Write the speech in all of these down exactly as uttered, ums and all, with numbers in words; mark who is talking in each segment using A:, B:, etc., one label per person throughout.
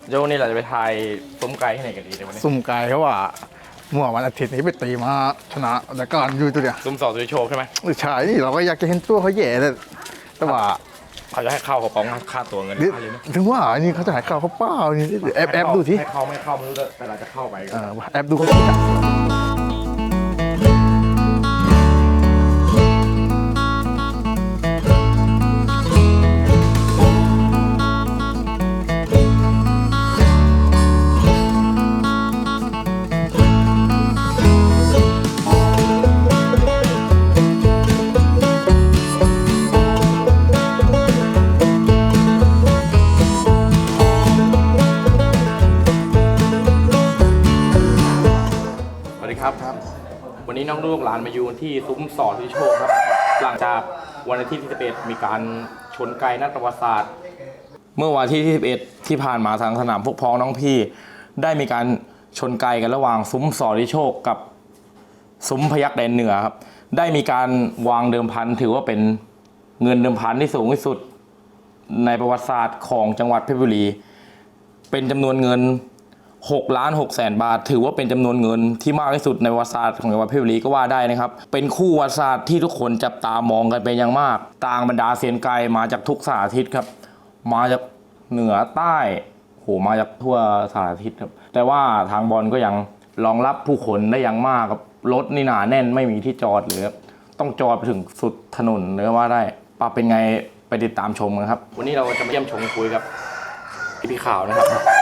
A: โยนี่เราจะไปทายซุ้มไก่ที่ไหนกันดีในวันนี้
B: สุ่มไก่เขาว่าเมื่อวันอาทิตย์นี้ไปตีมาชนะแต่ก่อนอยู่ตัวเดียว
A: ซุ้มสองตัวโชว์ใช่ไหม
B: ใช่นี่เราก็อยากจะเห็นตัวเขาแย่เลยแต่ว่า
A: เขาจะให้เข้าเขาป้องค่าตัวเงิน
B: เดี๋ยว
A: ค่าเลยนะ
B: ถึงว่าอันนี้เขาจะหายข่าวเขาเปล่านี่แอบแอบดูที
A: ให้เข้าไม่เข้าไม่รู้แต่เราจะเข้าไปกัน
B: เออแอบดูเขาสิจ้ะ
A: สวัสดีครับครับ วันนี้น้องลูกหลานมาอยู่ที่ซุ้มสอนที่โชว์ครับ หลังจากวันอาทิตย์ที่สิบเอ็ดมีการชนไก่นักประวัติศาสตร์ เมื่อวันที่สิบเอ็ดที่ผ่านมาทางสนามพวกพ้องน้องพี่ ได้มีการชนไก่กันระหว่างซุ้มสอนที่โชคกับซุ้มพยัคฆ์แดนเหนือครับ ได้มีการวางเดิมพันถือว่าเป็นเงินเดิมพันที่สูงที่สุดในประวัติศาสตร์ของจังหวัดเพชรบุรี เป็นจำนวนเงินหกล้านหกแสนบาทถือว่าเป็นจำนวนเงินที่มากที่สุดในประวัติศาสตร์ของจังหวัดเพชรบุรีก็ว่าได้นะครับเป็นคู่ประวัติศาสตร์ที่ทุกคนจับตามองกันเป็นอย่างมากต่างบรรดาเซียนไก่มาจากทุกสารทิศครับมาจากเหนือใต้โหมาจากทั่วสารทิศครับแต่ว่าทางบอลก็ยังรองรับผู้คนได้อย่างมากครับรถนี่หนาแน่นไม่มีที่จอดเลยครับต้องจอดไปถึงสุดถนนเลยว่าได้ปะเป็นไงไปติดตามชมกันครับวันนี้เราจะมาเยี่ยมชมคุยกับพี่ข่าวนะครับ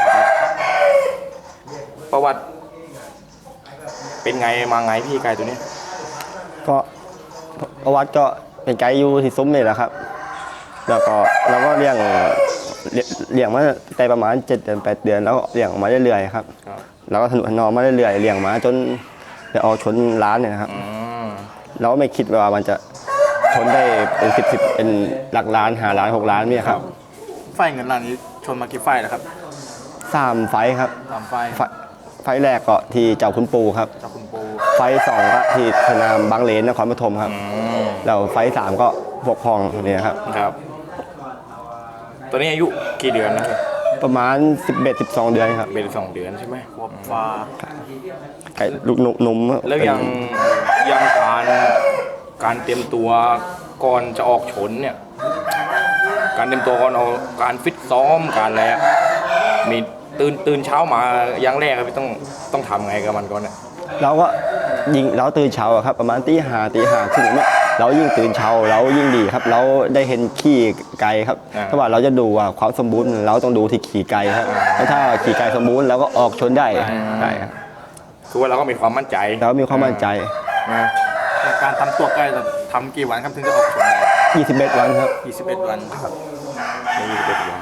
A: ประวัติเป็นไงมาไงพี่ไก่ตัวนี้
C: ก็ประวัติก็เป็นไกด์อยู่ที่ซุ้มนี่แหละครับแล้วก็เราก็เลี้ยงเลี้ยงมาแต่ประมาณเจ็ดเดือนแปดเดือนแล้วก็เลี้ยงมาเรื่อยๆครับแล้วก็ถนุถนอมมาเรื่อยๆเลี้ยงมาจนจะเอาชนล้านเนี่ยนะครับเราก็ไม่คิดว่ามันจะชนได้เป็นสิบสิบเป็นหลักล้านหาล้านหกล้านเนี่ยครับ
D: ไฟเงินล้านนี้ชนมากี่ไฟแล้วครับ
C: สามไฟครับ
D: สามไฟ
C: ไฟแรกก็ที่เจ้าคุณปูครับ
D: เจ้าคุณปู
C: ไฟสองก็ที่สนามบางเลนนครปฐมครับแล้วไฟสามก็พวกพองเนี่ยครับ
A: ครับตัวนี้อายุกี่เดือนนะ
C: ประมาณสิบเอ็ด สิบสองเดือนครับ
A: เป็นสองเดือนใช่ไหม
D: ขวบฟ้า
C: ไก่ลูกนุ่ม
A: แล้วยังยังการการเตรียมตัวก่อนจะออกชนเนี่ยการเตรียมตัวก่อนเอาการฟิตซ้อมการอะไรมีตื่นตื่นเช้ามาอย่างแรกครับต้องต้องทำไงกับมันก่อนเนี่ย
C: เราก็ยิงเราตื่นเช้าครับประมาณตีห้าตีห้าครึ่งเนี่ยเรายิ่งตื่นเช้าเรายิ่งดีครับเราได้เห็นขี่ไก่ครับถ้าว่าเราจะดูว่าความสมบูรณ์เราต้องดูที่ขี่ไก่ครับถ้าขี่ไก่สมบูรณ์เราก็ออกชนได้ได้ครับ
A: คือว่าเราก็มีความมั่นใจ
C: เรามีความมั่นใจ
D: การทำตัวไก่ทำกี่วันครับถึงจะออกชนได้
C: ยี่สิบเอ็ดวันครับ
D: ยี่สิบเอ็ดวันครับ
A: ยี่สิบเอ็ดวัน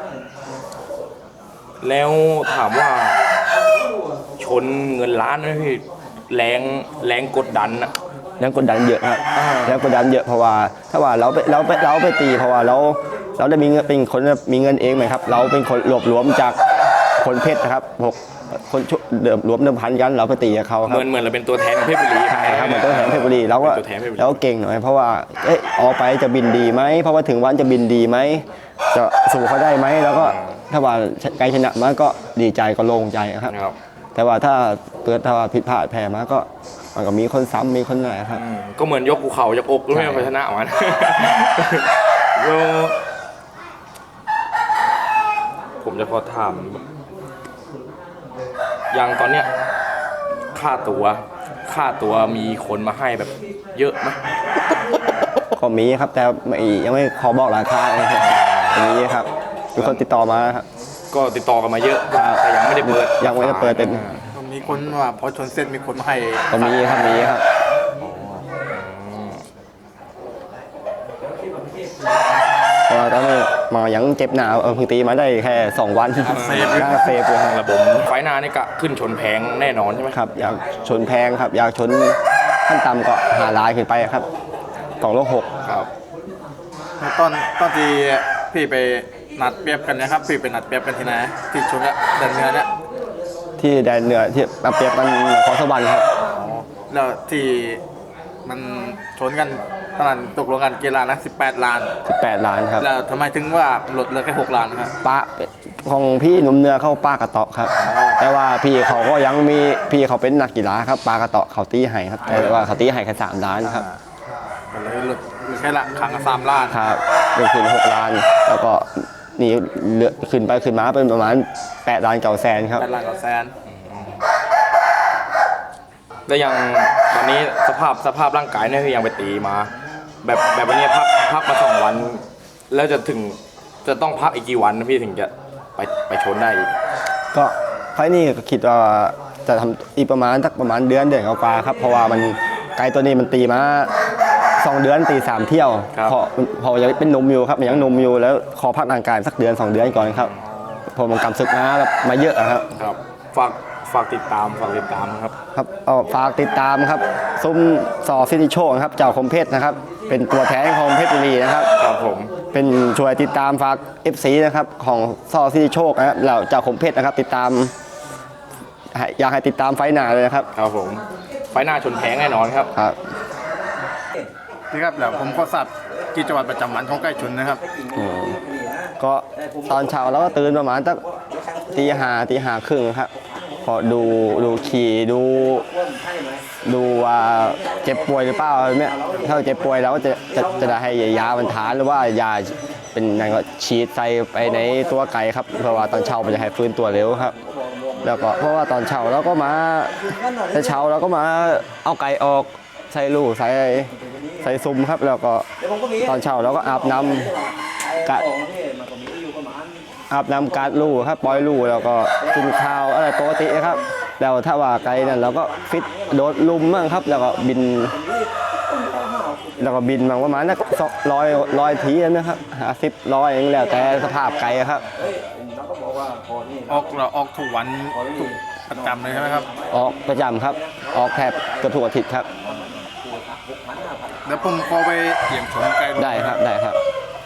A: แล้วถามว่าชนเงินล้านนะพี่แรงแรงกดดันนะ
C: แรงกดดันเยอะครับแรงกดดันเยอะเพราะว่าถ้าว่าเราไปเราไปเราไปตีเพราะว่าเราเราได้มีเงินเป็นคนมีเงินเองไหมครับเราเป็นคนรวบรวมจากคนเพชรนะครับหกคนเดิมรวมเดิมพันกันเราไปตีกับเขาครับ
A: เหมือนเหมือนเราเป็นตัวแทนของเพชรบุรี
C: ใช่ครับเหมือนตัวแทนเพชรบุรีเราก็เราก็เก่งหน่อยเพราะว่าเอ๊ะออกไปจะบินดีไหมเพราะว่าถึงวันจะบินดีไหมจะสู้เขาได้ไหมแล้วก็ถ้าว่าไกลชนะมาก็ดีใจก็โล่งใจครับแต่ว่าถ้าเกิดถ้าว่าผิดพลาดแพ้มาก็มันก็มีคนซ้ำมีคนไหนครับ
A: ก็เหมือนยกภูเขายกอกแล้วไม่เอาชนะมันผมจะขอถามอย่างตอนเนี้ยค่าตัวค่าตัวมีคนมาให้แบบเยอะไหม
C: ก็มีครับแต่ยังไม่ขอบอกราคาเลยครับมีครับมีคนติดต่อมาครับ
A: ก็ติดต่อกันมาเยอะแต่ยังไม่ได้เปิด
C: ยังไม่ได้เปิดเป็น
D: มีคนว่าพอชนเส้นมีคนมาให้
C: ก็มีครับมีครับเพราะว่าตอนนี้มายังเจ็บหนาวเพิ่งตีมาได้แค่สองวันเซฟเซฟเลย
A: ระบบไฟนานี่ก็ขึ้นชนแพงแน่นอนใช่ไหม
C: ครับอยากชนแพงครับอยากชนขั้นต่ำก็หาลายขึ้นไปครับสองโลหก
A: ครับ
D: ตอนตอนที่พี่ไปนัดเปรียบกันนะครับพี่ไปนัดเปรียบกันที่ไหนที่ชนละแดนเหนือเนี่ย
C: ที่แดนเหนือที่เปรียบกันขอสวรรค์ครับ
D: แล้วที่มันชนกันตอนนั้นตกลงกันกี่ล้านนะสิบแปดล้าน
C: สิบแปดล้านครับ
D: แล้วทำไมถึงว่าลดเหลือแค่หกล้านครับ
C: ป้าของพี่หนุ่มเนื้อเข้าปลากระเตาะครับ แต่ว่าพี่เขาก็ยังมีพี่เขาเป็นนักกีฬาครับปลากระเตาะเขาตีให้ครับแต่ว่าเขาตีให้แค่สามล้านครับ
D: ก็เลยหลุดแค่ละครั้งละสามล้าน
C: ครับเป็นคืนหกล้าน แล้วก็นี่เหลือขึ้นไปขึ้นมาเป็นประมาณแปดล้านเก้าแสนครับ
D: แปดล้านกับแสน
A: แล้วยังตอนนี้สภาพสภาพร่างกายเนี่ยคือยังไปตีมา แบบแบบวันนี้พักพักมาสองวัน แล้วจะถึงจะต้องพักอีกกี่วันนะพี่ถึงจะไปไปชนได้อีก
C: ก็ไฟล์นี้ก็คิดว่าจะทำอีกประมาณสักประมาณเดือนเดือนกว่าๆครับเพราะว่ามันไกลตัวนี้มันตีมาสองเดือนตีสามเที่ยวพอพอยังเป็นนมอยู่ครับยังนมอยู่แล้วขอพักร่างกายสักเดือนสองเดือนก่อนครับพอมันกำศึกมาแบบมาเยอะอะครับ
A: ครับฝากฝากติดตามฝากติดตามครับ
C: ครับเอาฝากติดตามครับซุ้มสอซิติโชคครับเจ้าคมเพชรนะครับเป็นตัวแทนของเพชรบุรีนะครับ
A: ครับผม
C: เป็นช่วยติดตามฝาก เอฟ ซี นะครับของซอซิติโชคนะครับเราเจ้าคมเพชรนะครับติดตามให้อยากให้ติดตามไฟหน้าเลยนะครับ
A: ครับผมไฟหน้าชนแพงแน่นอนครับ
C: ครับ
D: นี่ครับแล้วผมขอทราบกิจวัตรประจำวันของไก่ชนนะครับ
C: อืมก็ตอนเช้าเราก็ตื่นประมาณตั้งตีห้าตีห้าครึ่งครับพอดูดูขี่ดูดูว่าเจ็บป่วยหรือเปล่าเนี่ยถ้าเจ็บป่วยเราก็จะจะจะได้ให้ยาบรรเทาหรือว่ายาเป็นนั่นก็ฉีดใส่ไปในตัวไก่ครับเพราะว่าตอนเช้ามันจะให้ฟื้นตัวเร็วครับ แล้วก็เพราะว่าตอนเช้าเราก็มาแต่เช้าเราก็มาเอาไก่ออกใส่ลูกใส่ใส่ซุ้มครับ แล้วก็ตอนเช้าเราก็อาบน้ำกัดอาบน้ำกัดลูกครับปล่อยลูกแล้วก็กินข้าวอะไรปกติครับแล้วถ้าว่าไก่นั่นเราก็ฟิตโดดลุมมั่งครับ แล้วก็บิน แล้วก็บินมาประมาณนักร้อยร้อยทีนะครับห้าสิบร้อยอย่างแล้วแต่สภาพไก่ครับ
D: ออกเราออกทุกวันทุกประจำเลยใช่ไหมครับ
C: ออกประจำครับ ออกแทบเกือบทุกอาทิตย์ครับ
D: เดี๋ยวผมขอไปเยี่ยมชมไก่ดู
C: ได้ครับได้ครับ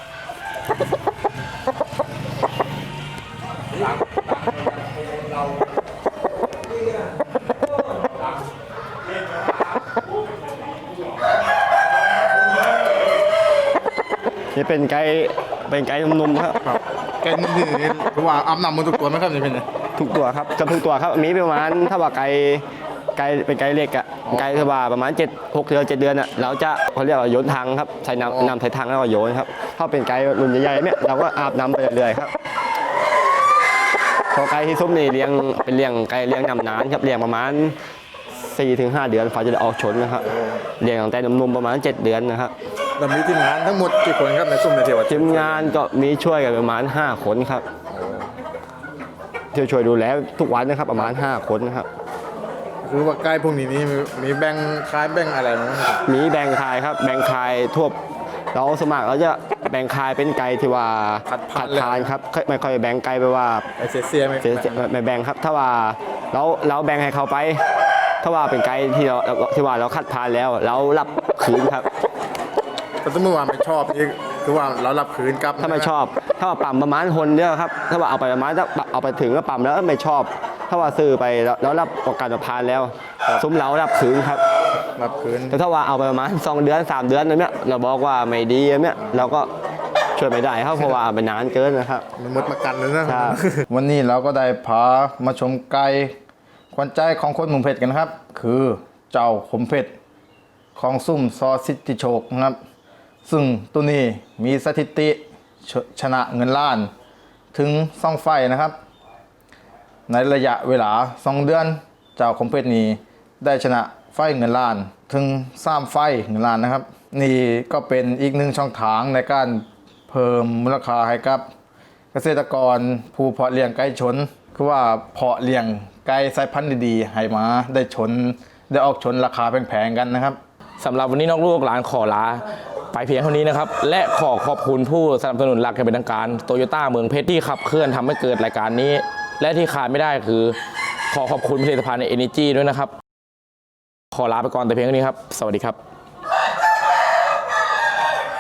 C: นี่เป็นไก่เป็นไก่นุ่มๆครับ
D: ครับไก่นี่คือว่าอาบน้ำมันทุกตัวไหมครับนี่เป็นไง
C: ทุกตัวครับกับทุกตัวครับมีประมาณถ้าว่าไก่ไก่เป็นไก่เล็กอะไก่ถ้าว่าประมาณเจ็ดหกเดือนเจ็ดเดือนอะเราจะเขาเรียกว่าโยนทางครับใส่น้ำน้ำใส่ทางแล้วก็โยนครับถ้าเป็นไก่รุ่นใหญ่ๆเนี่ยเราก็อาบน้ำไปเรื่อยๆครับพอไก่ที่ซุ้มนี่เลี้ยงเป็นเลี้ยงไก่เลี้ยงนำนานครับเลี้ยงประมาณสี่ถึงห้าเดือนฝ่าจะได้ออกชนนะครับเลี้ยงตั้งแต่นมๆประมาณเจ็ดเดือนนะครับ
D: เรามีทีมงานทั้งหมดกี่คนครับในซุ้มในเทวะ
C: ทีมงานก็มีช่วยกันประมาณห้าคนครับที่ช่วยดูแลทุกวันนะครับประมาณห้าคนนะครับ
D: คือว่าไก่พวกนี้นี่มีมีแบ่งคล้ายแบ่งอะไรไหมครับ
C: มีแบ่งคายครับแบ่งคายทั่วเราสมัครเราจะแบ่งคายเป็นไก่ที่ว่าขัดทานครับไม่ค่อยแบ่งไก่ไปว่า
D: ไอเสียเสียไหม
C: เสียไม่แบ่งครับ ถ้าว่าเราเราแบ่งให้เขาไป ถ้าว่าเป็นไก่ที่เราที่ว่าเราคัดทานแล้วเรารับคืนครับ
D: แต่สมมติว่าไม่ชอบนี่คือว่าเรารับคืนกลับ
C: ถ้าไม่ชอบ ถ้าว่าปั๊มประมาณคนเดียวครับ ถ้าว่าเอาไปประมาณถ้าเอาไปถึงแล้วปั๊มแล้วไม่ชอบ ถ้าว่าซื้อไปแล้วรับประกันผ่านแล้วซุ้มเรารับคืนครับ
D: รับคืน
C: แต่ถ้าว่าเอาไปประมาณสองเดือนสามเดือนนั่นเนี่ยเราบอกว่าไม่ดีเนี่ยเราก็ช่วยไม่ได้ครับเพราะว่าไปนานเกินนะครับ
D: มันหมดประกันเลยนะ
C: ครับ
B: วันนี้เราก็ได้พามาชมไก่ขวัญใจของคนหมุ่มเพชรกันครับ คือเจ้าขมเพชรของซุ่มซอสิทธิโชคนะครับ ซึ่งตัวนี้มีสถิติชชนะเงินล้านถึงสองไฟนะครับ ในระยะเวลาสองเดือนเจ้าขมเพชรนี้ได้ชนะไฟเงินล้าน ถึงสามไฟเงินล้านนะครับ นี่ก็เป็นอีกหนึ่งช่องทางในการเพิ่มมูลค่าให้กับเกษตรกรผู้เพาะเลี้ยงไก่ชน คือว่าเพาะเลี้ยงไก่สายพันธุ์ดีๆให้มาได้ชนได้ออกชนราคาแพงๆกันนะครับ
A: สำหรับวันนี้นอกลูกหลานขอลาไปเพียงเท่านี้นะครับ และขอขอบคุณผู้สนับสนุนหลักอย่างเป็นทางการโตโยต้าเมืองเพชรที่ขับเคลื่อนทำให้เกิดรายการนี้ และที่ขาดไม่ได้คือ ขอขอบคุณผลิตภัณฑ์ใน Energy ด้วยนะครับ ขอลาไปก่อนแต่เพียงเท่านี้ครับ สวัสดีครับ